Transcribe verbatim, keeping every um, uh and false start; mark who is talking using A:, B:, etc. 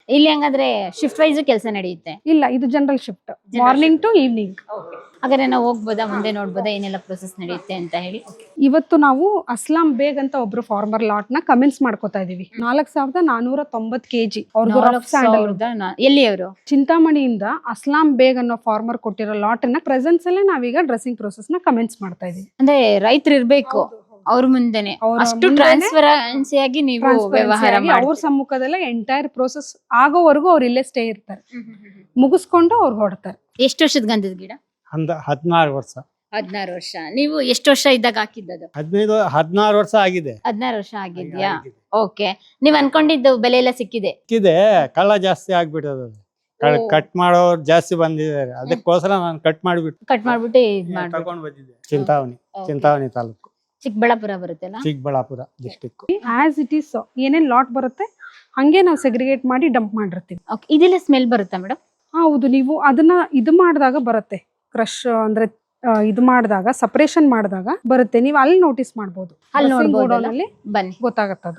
A: ಇಲ್ಲಿ ಹಂಗಾದ್ರೆ shift wise ಕೆಲಸ ನಡೆಯುತ್ತೆ?
B: ಇಲ್ಲ, ಇದು general shift, morning to evening.
A: ಹಾಗಾದ್ರೆ ನಾವು ಹೋಗ್ಬೋದಾ, ಮುಂದೆ ನೋಡ್ಬೋದಾ ಏನೆಲ್ಲ ಪ್ರೊಸೆಸ್ ನಡೆಯುತ್ತೆ ಅಂತ ಹೇಳಿ?
B: ಇವತ್ತು ನಾವು ಅಸ್ಲಾಂ ಬೇಗ್ ಅಂತ ಒಬ್ರು ಫಾರ್ಮರ್ ಲಾಟ್ ನ ಕಮೆನ್ಸ್ ಮಾಡ್ಕೋತಾ ಇದೀವಿ. ನಾಲ್ಕ್ ಸಾವಿರದ ನಾನೂರ ತೊಂಬತ್ ಕೆಜಿ ಅವ್ರದ್ದು ರಫ್ ಸ್ಯಾಂಡಲ್.
A: ಎಲ್ಲಿ ಅವರು?
B: ಚಿಂತಾಮಣಿಯಿಂದ ಅಸ್ಲಾಂ ಬೇಗ್ ಅನ್ನೋ ಫಾರ್ಮರ್ ಕೊಟ್ಟಿರೋ ಲಾಟ್ ನ ಪ್ರೆಸೆನ್ಸ್ ಅಲ್ಲೇ ನಾವೀಗ ಡ್ರೆಸ್ಸಿಂಗ್ ಪ್ರೊಸೆಸ್ ನ ಕಮೆನ್ಸ್ ಮಾಡ್ತಾ ಇದೀವಿ.
A: ಅಂದ್ರೆ ರೈತರು ಇರ್ಬೇಕು ಅವ್ರ ಮುಂದೆನೆ, ಅಷ್ಟು ಟ್ರಾನ್ಸ್ಪರೆನ್ಸಿ ಆಗಿ ನೀವು ವ್ಯವಹಾರ ಮಾಡಿ
B: ಅವ್ರ ಸಮ್ಮುಖದಲ್ಲೇ ಎಂಟೈರ್ ಪ್ರೋಸೆಸ್ ಆಗೋವರೆಗೂ ಅವ್ರು ಇಲ್ಲೇ ಸ್ಟೇ ಇರ್ತಾರೆ. ಮುಗಿಸ್ಕೊಂಡು ಅವ್ರು ಹೊಡ್ತಾರೆ.
A: ಎಷ್ಟು ವರ್ಷದ ಗಂಧದ ಗಿಡ?
C: ಅಂದ ಹದಿನಾರು ವರ್ಷ.
A: ಹದಿನಾರು ವರ್ಷ. ನೀವು ಎಷ್ಟು ವರ್ಷ ಇದ್ದಾಗ ಹಾಕಿದ್ದದು?
C: ಹದಿನೈದು ಹದಿನಾರು ವರ್ಷ ಆಗಿದೆ.
A: ಹದಿನಾರು ವರ್ಷ ಆಗಿದ್ಯಾ? ಓಕೆ. ನೀವ್ ಅನ್ಕೊಂಡಿದ್ದು ಬೆಲೆ ಎಲ್ಲ ಸಿಕ್ಕಿದೆ?
C: ಸಿಕ್ಕಿದೆ, ಕಳ್ಳ ಜಾಸ್ತಿ ಆಗ್ಬಿಟ್ಟದ. ಕಟ್ ಮಾಡೋರು ಜಾಸ್ತಿ ಬಂದಿದ್ದಾರೆ, ಅದಕ್ಕೋಸ್ಕರ ನಾನು ಕಟ್ ಮಾಡಿಬಿಟ್ಟು
A: ಕಟ್ ಮಾಡ್ಬಿಟ್ಟು ಇದ್ ಮಾಡ್ಬಿಟ್ಟು
C: ತಗೊಂಡ್ ಬಂದಿದ್ದೆ. ಚಿಂತಾವಣಿ, ಚಿಂತಾವಣಿ ತಾಲೂಕು,
A: ಚಿಕ್ಕಬಳ್ಳಾಪುರ ಬರುತ್ತಲ್ಲ?
C: Chikkaballapur district.
B: As it is ಏನೇನ್ ಲಾಟ್ ಬರುತ್ತೆ ಹಂಗೆ ನಾವು ಸೆಗ್ರಿಗೇಟ್ ಮಾಡಿ ಡಂಪ್ ಮಾಡಿರ್ತೀವಿ.
A: ಓಕೆ. ಇದೆಲ್ಲ ಸ್ಮೆಲ್ ಬರುತ್ತಾ ಮೇಡಮ್?
B: ಹೌದು, ನೀವು ಅದನ್ನ ಇದು ಮಾಡಿದಾಗ ಬರುತ್ತೆ, ಕ್ರಶ್ ಅಂದ್ರೆ ಇದು ಮಾಡಿದಾಗ, ಸಪರೇಷನ್ ಮಾಡಿದಾಗ ಬರುತ್ತೆ. ನೀವು ಅಲ್ಲಿ ನೋಟಿಸ್ ಮಾಡಬಹುದು,
A: ಅಲ್ಲಿ ನೋಡಬಹುದು.
B: ಬನ್ನಿ, ಗೊತ್ತಾಗತ್ತದು.